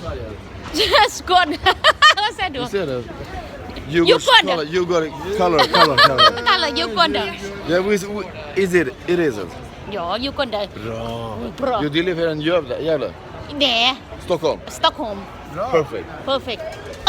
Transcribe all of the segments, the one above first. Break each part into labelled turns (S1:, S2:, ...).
S1: Skål. Vad säger du?
S2: You said it.
S1: Djurgården.
S2: Color.
S1: Kalla Djurgården.
S2: Yeah, is it? It isn't.
S1: Ja, Djurgården.
S2: Bra. You live here in Gävle?
S1: Nej,
S2: Stockholm.
S1: Stockholm.
S2: Perfect.
S1: Perfect.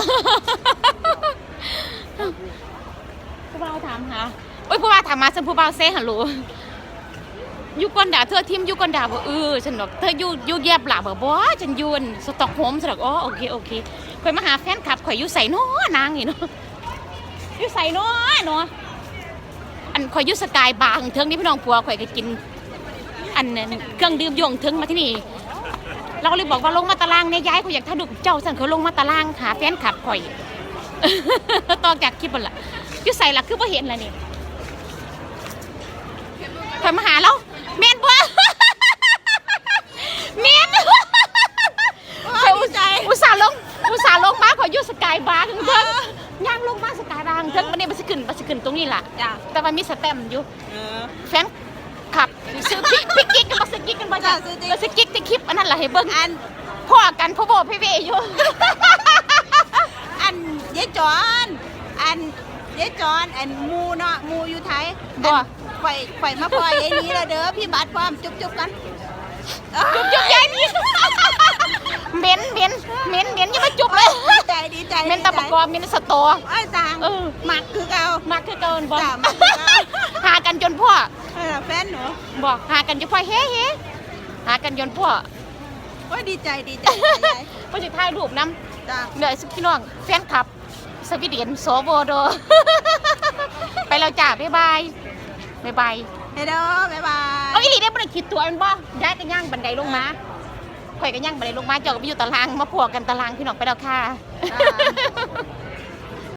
S1: ผู้บ่าวถามหาโอ้ยผู้บ่าวถามมาฉันผู้บ่าวเซ่ฮัลโหลอยู่ก่อนด่าเธอทีมอยู่ก่อนด่าบ่ฉันบอกเธออยู่แยบหล่ะบ่ฉันอยู่สต็อกโฮล์มฉันบอกอ๋อโอเคข่อยมาหาแฟนคลับข่อยอยู่ไสน้อนางนี่เนาะอยู่ไสน้อเนาะอันข่อยอยู่สกายบาร์เทิงนี่พี่น้องผัวข่อยก็กินอันเครื่องดื่มยงเทิงมาที่นี่เราเลยบอกว่าลงมาตารางเนี่ยย้ายข่อยอยากถ้าดูเจ้าสั่นเขาลงมาตารางหาแฟนคลับข่อยตอนจากคลิปบ่ล่ะอยู่ไสล่ะคือบ่เห็นล่ะนี่ข่อยมาหาแล้วแม่นบ่แม่นข่อยอุตส่าห์ลงมาข่อยอยู่สกายบาร์ถึงย่างลงมาสกายบาร์ถึงวันนี้บ่สิขึ้นตรงนี้ล่ะแต่ว่ามีสแตมป์อยู่แฟนขับซื้อพี่กิ๊กกันบ่ซื้อกิ๊กกันบ่จ้ะซื้อกิ๊กที่คลิปอันนั้นล่ะให้เบิ่งอันพ่อกันพ่อโบพี่เวอยู่
S3: อันยายจอนอันมูเนาะมูอยู่ไทย
S1: บ่
S3: ไฟมาปล่อยไอ้นี้ละเด้อพี่บัดพร้อมจุ๊บกัน
S1: จุ๊บยายนี่เหม็นอย่ามาจุ๊บเลย
S3: ดีใจ
S1: เหม็นตะปะกอเหม็นสตอ
S3: ไอ้ต่างหมักคือเก่า
S1: มักคือเกินบ่
S3: จ้ะมักคือเก่า
S1: หากันจนพ่อ
S3: แฟนหนู
S1: บอกหากันจนพ่อเฮ้หากันจนพ่อ
S3: โอ้ยดีใจ
S1: พ่อจะถ่ายรูปนำ
S3: จ้า
S1: เหนื่อยสุดพี่น้องแฟนคลับสวีเดนโซโบโด ไปแล้วจ้าบ๊ายบาย
S3: เฮ้เด้อบ๊ายบาย
S1: เอาอีหลีได้บ่ได้คิดตัวมันบ่ย้ายกันย่างบันไดลงมาข่อยกันย่างบันไดลงมาเจ้าก็ไปอยู่ตารางมาพวกกันตารางพี่น้องไปแล้วค่ะ